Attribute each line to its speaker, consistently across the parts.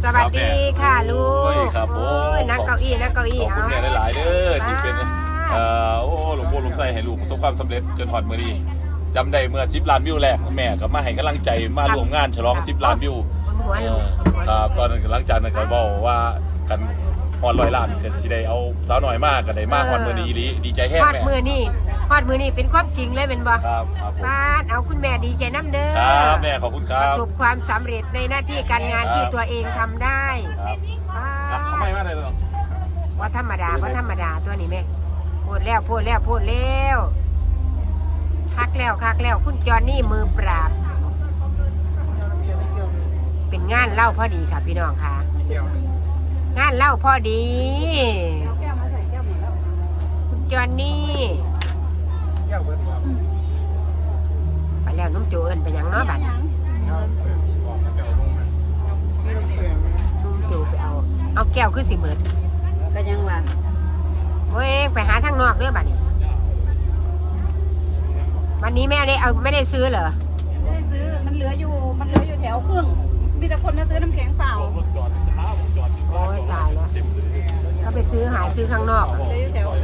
Speaker 1: สวัสดีค่ะลูก
Speaker 2: ครับโอ้
Speaker 1: นั่งเก้าอี้
Speaker 2: ขอบคุณแม่หลายๆเด้อที่เป็นหลวงพ่อหลวงไส้ให้ลูกประสบความสำเร็จจนถอดมือนี้จำได้เมื่อ10 ล้านวิวแรกแม่ก็มาให้กำลังใจมาร่วมงานฉลอง10 ล้านวิวครับตอนนั้นหลังจากนั้นก็บอกว่ากันฮอด100 ล้านจะสิได้เอาสาวหน่อยมากก็ได้มากฮอดมือนี้ดีใจแห้ง
Speaker 1: ฮอด
Speaker 2: แม่
Speaker 1: มือนี่เป็นความจริงเลยเป็นบ่
Speaker 2: ครับผม
Speaker 1: ป้าดเอาคุณแม่ดีใจน้ำเด้อ
Speaker 2: ครับแม่ขอบคุณค
Speaker 1: ป
Speaker 2: รั
Speaker 1: ระ
Speaker 2: บ
Speaker 1: สบความสำเร็จในหน้าที่การงานที่ตัวเองทำได้
Speaker 2: ครับทำไมมาได้เลย
Speaker 1: ว่าธรรมดาตัวนี้แม่พูดแล้วคักแล้วคุณจอนนี่มือปราบ เป็นงานเล่าพอดีค่ะพี่น้องค่ะงานเล่าพอดีคุณจอนนี่ไปแล้วนุ่มโจเอิญไปยังเนาะบัดนุ่มโจไปเอาแก้วขึ้นสิเบิด
Speaker 3: ก็ยังว่า
Speaker 1: เว้ยไปหาทางนอกเด้อบัดนี้วันนี้แม่ไม่ได้ซื้อเหรอ
Speaker 3: ไม่ได้ซื้อมันเหลืออยู่แถวครึ่งมีแต่คนมาซื้อน้ำแข็งเปล่า
Speaker 1: โอ้ยตายแล้วก็ไปซื้อข้างนอก
Speaker 3: เหลืออยู่แถว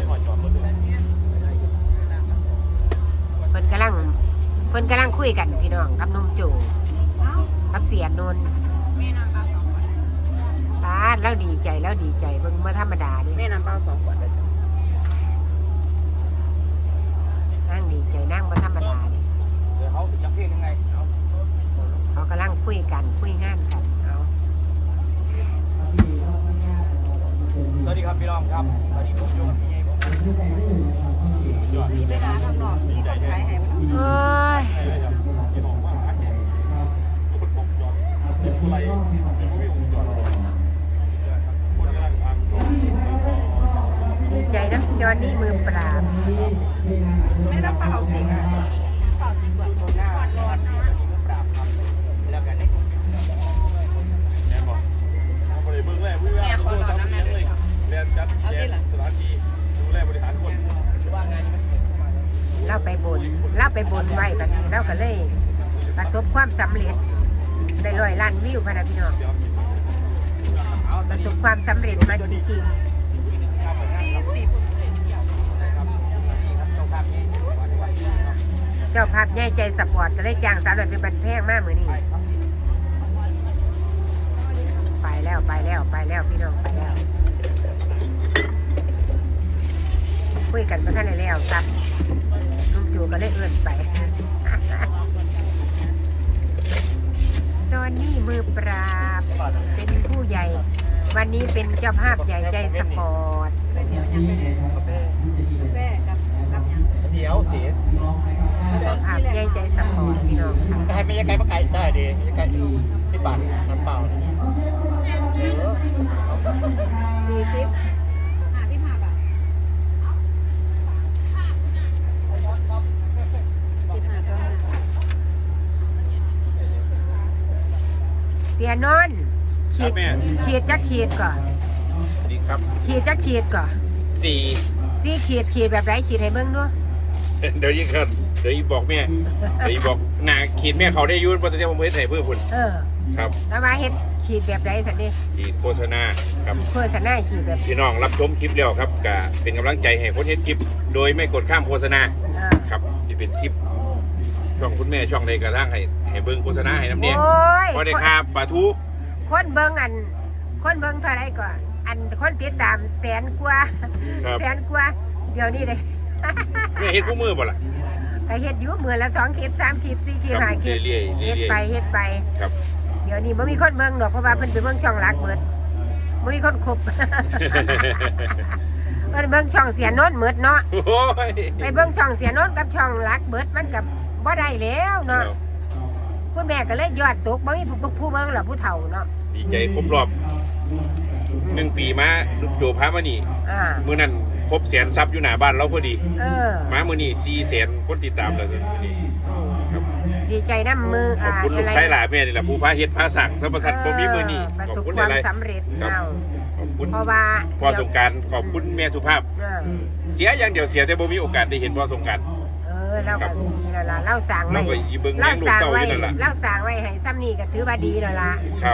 Speaker 1: เพิ่นกำลังคุยกันพี่น้องกับนุ่มโจกับเสียนนท์ป้าดแล้วดีใจเบิ่งมาธรรมดาดิ
Speaker 3: แม่น้ำเปล่า2 ขวดเลย
Speaker 1: นั่งดีใจนั่งมาธรรมดาดิ
Speaker 2: เขาจะเพี้ยนยังไง
Speaker 1: เขากำลังคุยงานกันเอา
Speaker 2: สวัสดีครับพี่น้องครับสวัสดีผมโยมพี่ผม
Speaker 3: มีเวลาข้างนอกมีคนขายให้มัน
Speaker 1: เอ้ยดีใจนะจอนนี่มือปราบ
Speaker 3: แม่น้ำเปล่าสิเปล่ากี่ขวดหน้าร้อนแล้วกันได้
Speaker 2: แม่ขอรอน้ำแม่เลยเรียนจัดแจงสถานที่ดูแลบริหารคนว่างานนี้มัน
Speaker 1: เล่าไปบนไว้กันเล่าก็เลยประสบความสำเร็จได้100 ล้านวิวพะนะพี่น้องประสบความสำเร็จมาจริงเจ้าภาพใหญ่ใจสปอร์ตก็เลยจ้างสาวเลยเป็นบันแพงมากมือนี้ไปแล้วพี่น้องไปแล้วคุยกันมาท่านไหนแล้วครับลุงจูก็เลยเอื้อนไปตอนนี้มือปราบเป็นผู้ใหญ่วันนี้เป็นเจ้าภาพใหญ่ใจสปอร์ต
Speaker 3: เดี๋ยวยังไม่ได้แม่กับยัง
Speaker 2: เดี๋ยวเดี๋ยว
Speaker 1: เจ้าภาพใหญ่ใจสปอร์ตพี่น้องค่ะ
Speaker 2: ให้ไม่ยังไงมาไก่ได้ดียังไงที่บ้านน้ำเปล่า
Speaker 3: 40 55 บาท15 ตัว
Speaker 1: เสียนนท์ขีดจักขีดก่อน
Speaker 2: ดีครับ
Speaker 1: ขีดจักขีดก่อน
Speaker 2: 4
Speaker 1: สี่ขีดแบบไรขีดให้เบิ่งด้วย
Speaker 4: เดี๋ยวยิ่งขึ้นเดี๋ยวยิ่งบอกแม่เดี๋ยวยิ่งบอกหนาขีดแม่เขาได้ยุ่นเพราะตอนนี้ผมไม่ได้ใส่เพื่อคุณครับ
Speaker 1: แล้วมาเฮ็ดขีดแบบไรสันดิ
Speaker 4: ขีดโฆษณาครับ
Speaker 1: เพื่อสนาขีดแบบ
Speaker 4: พี่น้องรับชมคลิปแล้วครับก็เป็นกำลังใจให้คนเฮ็ดคลิป โดยไม่กดข้ามโฆษณาครับที่เป็นคลิปช่องคุณแม่ช่องใดกระทั่งให้เบิ้งโฆษณาให้น้ำเนี่ย
Speaker 1: โอ้ย
Speaker 4: พอได้ครับปลาทู
Speaker 1: คนเบิ่งคนเบิ่งเท่าไรก่อนคนติดตาม100,000 กว่า
Speaker 4: ครับ
Speaker 1: 100,000 กว่าเดี๋ยวนี้เลย
Speaker 4: แม่เฮ็ดคู่มือบ่ล่ะ
Speaker 1: ก็เฮ็ดอยู่มื้อละ2 คลิป 3 คลิป 4 คลิป
Speaker 4: ครับ
Speaker 1: 5 คลิป
Speaker 4: เรื่อยๆ
Speaker 1: เฮ็ดไป
Speaker 4: ครับ
Speaker 1: เดี๋ยวนี้บ่มีคนเบิ่งดอกเพราะว่าเพิ่นไปเบิ่งช่องหลักเบิดบ่มีคนครบ เพิ่นเบิ่งช่องเสียโนนท์เบิดเนาะ
Speaker 4: โอ้ย
Speaker 1: ไปเบิ่งช่องเสียโนนท์กับช่องหลักเบิดมันก็บ่ได้แล้วเนาะคุณแม่ก็เลยยอดตกบ่มีผู้เบิ่งหรอกผู้เฒ่าเนาะ
Speaker 4: ดีใจครบรอบ1 ปีมาลูกโจพามานี่ มื้อนั้นครบ100,000ซับอยู่หน้าบ้านเราพอดี มามื้อนี้400,000คนติดตามแล้วมื้อนี้ครับ
Speaker 1: ดีใจน้ำมือ
Speaker 4: ขอบคุณลูกชายหลานแม่นี่แหละผู้พาเฮ็ดพาสั่งสัมปทานบ่มีมื้อนี้
Speaker 1: ประ
Speaker 4: ขอบ
Speaker 1: สบ
Speaker 4: คุณ
Speaker 1: ความ
Speaker 4: หลาย
Speaker 1: สำเร็จ
Speaker 4: ๆครับ
Speaker 1: เอา
Speaker 4: ขอบคุณ
Speaker 1: เพราะว่า
Speaker 4: พ่อสงกรานต์ขอบคุณแม่สุภาพ เสียอย่างเดียวเสียแต่บ่มีโอกาสได้เห็นพ่อสงกรานต์
Speaker 1: เราก็ดีแล้วล่ะเราสั่งไว้
Speaker 4: เราก็อีเบิ่งแม่ลูกเต้าอยู่นั่นล่ะ
Speaker 1: เราสั่งไว้ให้ซ้ำนี่ก็ถือว่าดีแล้วล่ะ
Speaker 4: ครับ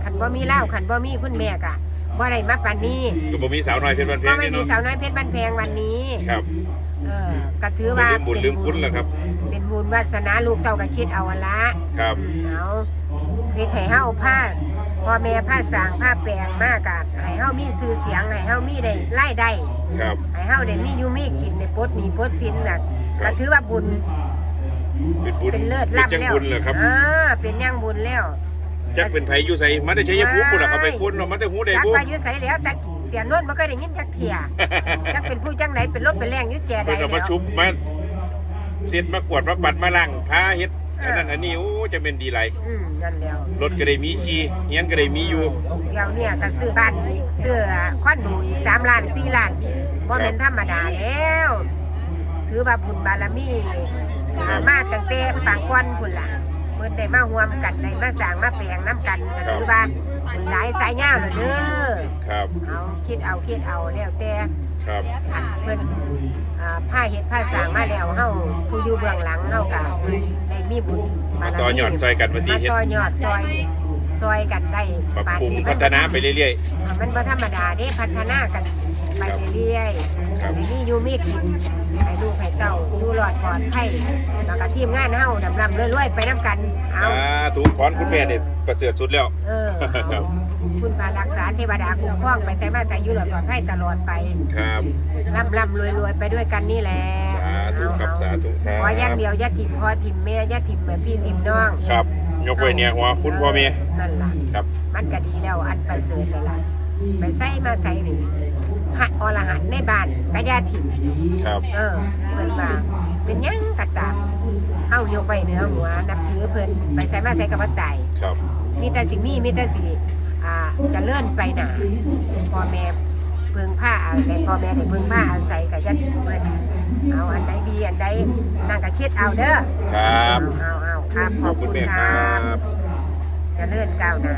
Speaker 1: ขันบ่มีเล่าขันบ่มีคุณแม่กะบ่ได้มาปานนี้
Speaker 4: ก็บ่มีสาวน้อยเพชรบ้านแพ
Speaker 1: ก็
Speaker 4: ง
Speaker 1: ไม่
Speaker 4: นี่
Speaker 1: มี
Speaker 4: เนาะ
Speaker 1: สาวน้อยเพชรบ้านแพงวันนี้
Speaker 4: ครับ
Speaker 1: ก็ถือว่า
Speaker 4: ลืมบุญลืมคุณแหละครับ
Speaker 1: เป็นบุญวาสนาลูกเต้าก็คิดเอาอันละ
Speaker 4: ครับ
Speaker 1: เอาเฮ็ดให้เฮาผ้าพ่อแม่ผ้าสร้างผ้าแปลงมากะให้เฮามีชื่อเสียงให้เฮามีได้รายได้
Speaker 4: ครับ
Speaker 1: ให้เฮาได้มีอยู่มีกินได้ปลดหนี้ปลดสินน่ะ
Speaker 4: ครั
Speaker 1: ก็
Speaker 4: บ
Speaker 1: ถือว่าบุญ
Speaker 4: เป็นบุญ
Speaker 1: เป็นเลิศ
Speaker 4: เป็น
Speaker 1: ล้ำ
Speaker 4: จัง
Speaker 1: แล้ว
Speaker 4: บุญเหรอครับ
Speaker 1: เป็นย่างบุญแล้ว
Speaker 4: จักเป็นไผอยู่ไสมาได้ใช้ยภูมิพุ่นล่ะครับไปพุ่นเนาะมาแต่หูได้
Speaker 1: จัก
Speaker 4: บ่
Speaker 1: ว่าอยู่ไสแล้วจักเสียโนนบ่เคยได้ยินจักเที่ย จักเป็นผู้จังไหนเป็นรถเป็นแรงอยู่แก่ใด
Speaker 4: เพิ่นก็
Speaker 1: แล้
Speaker 4: มาว ชุบมาเสร็จมากวาดมาปัดมาล้างพาเฮ็ดอันนั้นอันนี้โอ้จะเป็นดีหลาย
Speaker 1: นั่นแล้ว
Speaker 4: รถก็ได้มีขี่เฮียนก็ได้มีอยู่
Speaker 1: เดี๋ยวเนี่ยก็ซื้อบ้านอีกซื้อคอนโดอีก3 ล้าน4 ล้านบ่แม่นธรรมดาแล้วถือว่าบุญบารมีมาตั้งแต่ปางก้อนพุ่นล่ะเพิ่นได้มาร่วมกันได้มาสร้างมาแปลงน้ำกันก็ถือว่าบุญหลายสายยาวแล้วเด้อ
Speaker 4: ครับ
Speaker 1: เอาคิดเอาแล้วแต่
Speaker 4: ครับ
Speaker 1: เพิ่นผ้าเฮ็ดผ้าสร้างมาแล้วเฮาผู้อยู่เบื้องหลังเฮาก็ได้มีบุญ
Speaker 4: มาต่อยอดซอยกันมาตี
Speaker 1: มา
Speaker 4: เฮ็ด
Speaker 1: ต่อยอดซอยกันได้
Speaker 4: ปรับปรุงพัฒนาไปเรื่อย
Speaker 1: มันบ่ธรรมดาเด้พัฒนากันไปเรื่อยๆ
Speaker 4: ครับ
Speaker 1: มีอยู่มีกินให้ลูกให้เจ้าอยู่รอดปลอดภัยแล้วก็ทีมงานเฮาดำรวยๆไปนํกัน
Speaker 4: ๆ
Speaker 1: เอา
Speaker 4: ถูกพรคุณแม่เนี่ยประเสริฐสุดแล้ว
Speaker 1: เอาคุณพารักษาเทวดาคุ้มครองไปแต่มาแต่อยู่รอดปลอดภัยตลอดไป
Speaker 4: ครับ
Speaker 1: ร่ำรวยไปด้วยกันนี่แหละ
Speaker 4: สาธุครับสาธุครับ
Speaker 1: ขออย่างเดียวอย่าถิ่มพ่อถิ่มแม่อย่าถิ่มแม่พี่ถิ่มน้อง
Speaker 4: ครับ ยกไว้เนี่ยหัวคุณพ่อแม่
Speaker 1: นั่นล่ะ
Speaker 4: ครับ
Speaker 1: มันก็ดีแล้วอันประเสริฐเลยล่ะไปใส่มาใส่นี่พระอรหันต์ในบ้านก็อย่าถิ่ม
Speaker 4: ครับ
Speaker 1: เพิ่นว่าเป็นหยังกะตามเฮายกไว้เหนือหัวนับถือเพิ่นไปใส่มาใส่กับบ่ตาย
Speaker 4: ครับ
Speaker 1: มีแต่สิมีแต่สิเจะเลื่อนไปหนาพ่อแม่เพิ่งผ้าอะไรพ่อแม่ได้เพิ่งผ้าอาศัยกับญาติเพิ่นเอาอันใดดีอันใดนั่งกะเช็ดเอาเด้อ
Speaker 4: ครับ
Speaker 1: เอาครับข
Speaker 4: ข
Speaker 1: อ
Speaker 4: อ
Speaker 1: บบ
Speaker 4: คุ
Speaker 1: คุณ ณ
Speaker 4: แม่
Speaker 1: ค
Speaker 4: ค
Speaker 1: รั
Speaker 4: รับ บ
Speaker 1: เจะเลื่อนก้าวหน้า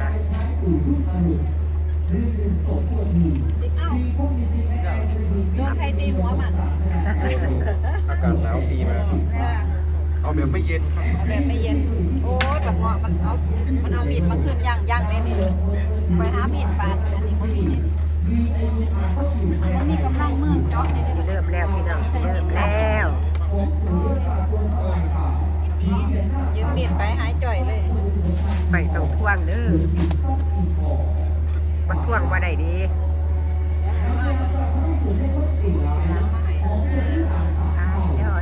Speaker 3: โดนใครตีหัวมัน
Speaker 5: อากาศหนาวดีมากเอาแบบไม่เย็นครับ
Speaker 3: เอาแบบไม่เย็น โอ้ยแบบเงาะมันเอามีดมาขึ้นย่างได้นี่ไปหามีดปาดอันนี้ก็มีนี่มันมีกำลังมือเจาะนี่ได้
Speaker 1: เริ่มแล้วพี่น้องเริ่มแล้ว
Speaker 3: ยืมมีดไปหายจ่อยเลย
Speaker 1: ไม่ต้องท่วงเด้อมันท่วงว่าได้ดียอด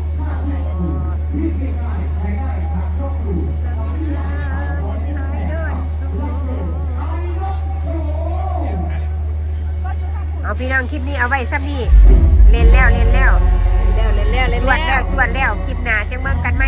Speaker 1: เอาพี่น้องคลิปนี้เอาไว้ซ้ำนี่เล่นแล้ว
Speaker 3: แล้ว
Speaker 1: จวดแล้วคลิปหน้าจังเบิ่งกันไหม